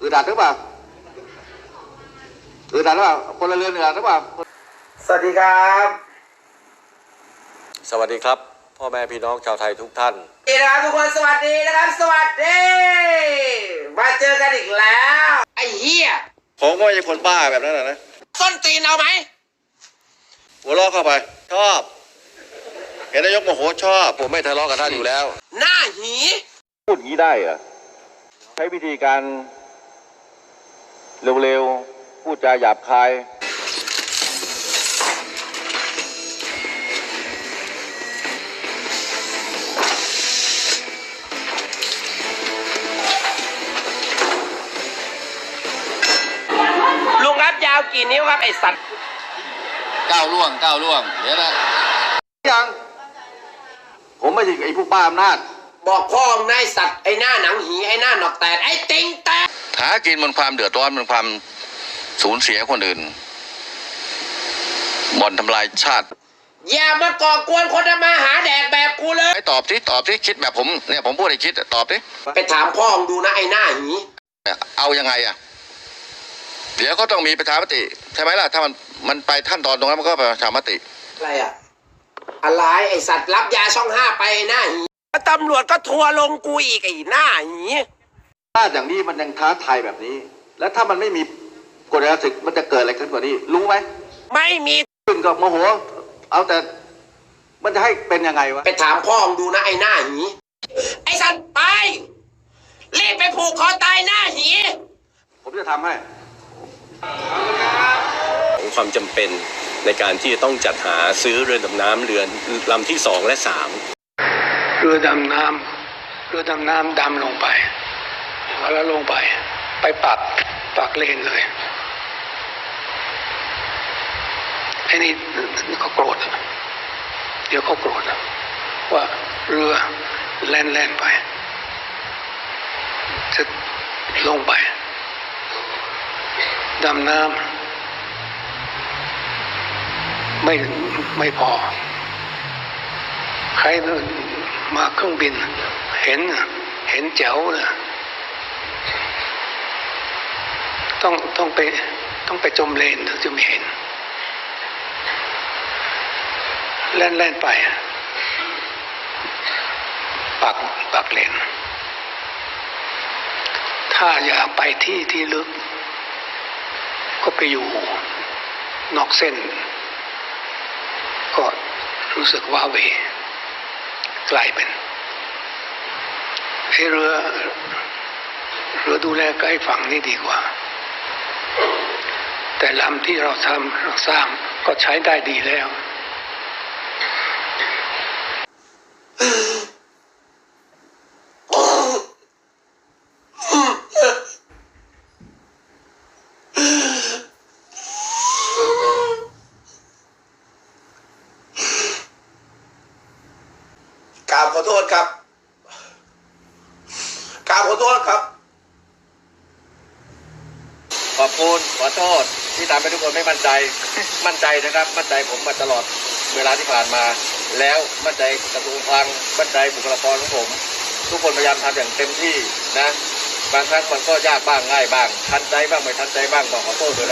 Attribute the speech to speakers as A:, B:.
A: อัดหรือเปล่าอึดอัดหรือเปล่าคนละเรือนอึดอัดหรือเปล่า
B: สวัสดีครับ
C: สวัสดีครับพ่อแม่พี่น้องชาวไทยทุกท่าน
B: สวัสดีนะครับทุกคนสวัสดีนะครับสวัสดีมาเจอกันอีกแล้วไอ้เหี้ย
A: ผมก็ไม่ใช่คนบ้าแบบนั้นนะ
B: ส้นตีนเอาไหม
A: หัวเราะเข้าไปชอบเห็นนายกโมโหชอบ
C: ผมไม่ทะเลาะกับท่านอยู่แล้ว
B: หน้าหี
A: พูดอย่างนี้ได้เหรอใช้วิธีการเร็วๆพูดจาหยาบคาย
B: ลุงครับยาวกี่นิ้วครับไอ้สัตว์
A: 9 ล่วงเดี๋ยวนะยังผมไม่ใช่ไอ้พวกบ้าอำนาจ
B: บอกพ่อมึงนายสัตว์ไอ้หน้าหนังหีไอ้หน้าหนอกแตกไอ้ติงแตก
A: หากินบนความเดือดร้อนบนความสูญเสียคนอื่นบ่อนทำลายชาติ
B: อย่ามาก่อกวนคนทำมาหาแดกแบบกูเลย
A: ตอบที่คิดแบบผมเนี่ยผมพูดให้คิดตอบดิ
B: ไปถามพ่อมึงดูนะไอ้หน้าหี
A: เอายังไงอ่ะเดี๋ยวก็ต้องมีประชามติใช่ไหมล่ะถ้ามันไปขั้นตอนตรงนั้นมันก็ประชามติ
B: อะไรอ่ะอะไรไอ้สัตว์รับยาช่อง5ไปไอ้หน้าหีตำรวจก็ทัวลงกูอีกไอ้หน้าหี
A: ถ้าอย่างนี้มันยังท้าทายแบบนี้แล้วถ้ามันไม่มีกฎระเบียบมันจะเกิดอะไรขึ้นกว่านี้รู้ไหม
B: ไม่มี
A: ขึ้นก็โมโหเอาแต่มันจะให้เป็นยังไงวะ
B: ไปถามพ่อมึงดูนะไอ้หน้าหีไอ้สัตว์ไปรีบไปผูกคอตายหน้าหี
A: ผมจะทำให้
C: ความจำเป็นในการที่จะต้องจัดหาซื้อเรือดำน้ำเรือลำที่2และ3
D: เรือดำน้ำดำลงไปแล้วลงไปปักเลนเลยไอ้นี่เขาโกรธเดี๋ยวเขาโกรธว่าเรือแล่นไปจะลงไปดำน้ำไม่พอใครมาเครื่องบินเห็นแจ๋วนะต้องไปจมเลนถึงจะไม่เห็นแล่นไปปักเลนถ้าอยากไปที่ลึกก็ไปอยู่นอกเส้นก็รู้สึกว่าเวกลายเป็นเรือดูแลใกล้ฝั่งนี่ดีกว่าแต่ลำที่เราสร้างก็ใช้ได้ดีแล้ว
B: กราบขอโทษครับกราบขอโทษครับ
C: ขอบคุณขอโทษที่ทำให้ทุกคนไม่มั่นใจนะครับมั่นใจผมมาตลอดเวลาที่ผ่านมาแล้วมั่นใจกระทรวงคลังมั่นใจบุคลากรของผมทุกคนพยายามทำอย่างเต็มที่นะบางครั้งมันก็ยากบ้างง่ายบ้างทันใจบ้างไม่ทันใจบ้างขอโทษด้วย